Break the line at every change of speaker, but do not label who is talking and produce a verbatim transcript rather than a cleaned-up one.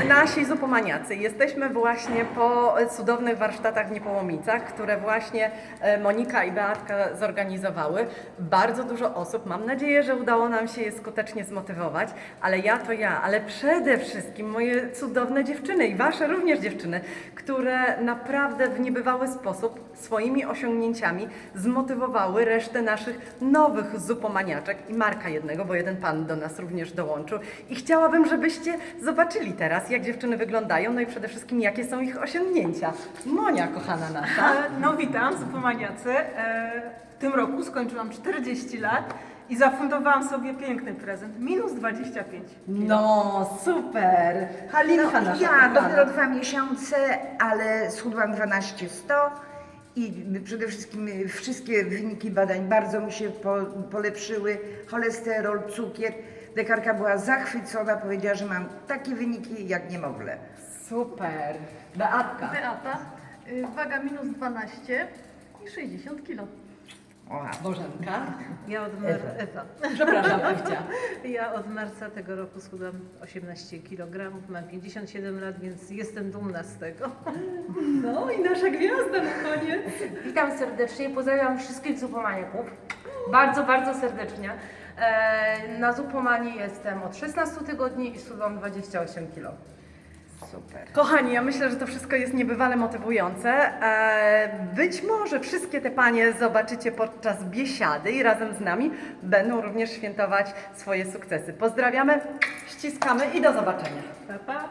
nasi zupomaniacy, jesteśmy właśnie po cudownych warsztatach w Niepołomicach, które właśnie e, Monika i Beatka zorganizowały. Bardzo dużo osób, mam nadzieję, że udało nam się je skutecznie zmotywować, ale ja to ja, ale przede wszystkim moje cudowne dziewczyny i wasze również dziewczyny, które naprawdę w niebywały sposób swoimi osiągnięciami zmotywowały resztę naszych nowych zupomaniaczek i Marka jednego, bo jeden pan do nas również dołączył. I chciałabym, żebyście zobaczyli teraz, jak dziewczyny wyglądają, no i przede wszystkim, jakie są ich osiągnięcia. Monia, kochana nasza.
E, No witam, zupomaniacy. E, W tym roku skończyłam czterdzieści lat i zafundowałam sobie piękny prezent. Minus dwadzieścia pięć.
No, super. Halinka nasza.
Ja
kochana.
dopiero dwa miesiące, ale schudłam dwanaście sto i przede wszystkim wszystkie wyniki badań bardzo mi się po, polepszyły. Cholesterol, cukier. Lekarka była zachwycona, powiedziała, że mam takie wyniki jak niemowlę.
Super. Beatka.
Beata, y, waga minus dwanaście i sześćdziesiąt kilo.
Oha.
Bożenka.
Ja od, mar- Ewa.
Przepraszam, Ewcia.
Ja od marca tego roku schudłam osiemnaście kilogramów, mam pięćdziesiąt siedem lat, więc jestem dumna z tego.
No i nasza gwiazda na koniec.
Witam serdecznie, pozdrawiam wszystkich zupomaniaków. Bardzo, bardzo serdecznie. E, na zupomanii jestem od szesnastu tygodni i schudłam dwadzieścia osiem kilo.
Super.
Kochani, ja myślę, że to wszystko jest niebywale motywujące. E, Być może wszystkie te panie zobaczycie podczas biesiady i razem z nami będą również świętować swoje sukcesy. Pozdrawiamy, ściskamy i do zobaczenia.
Pa, pa.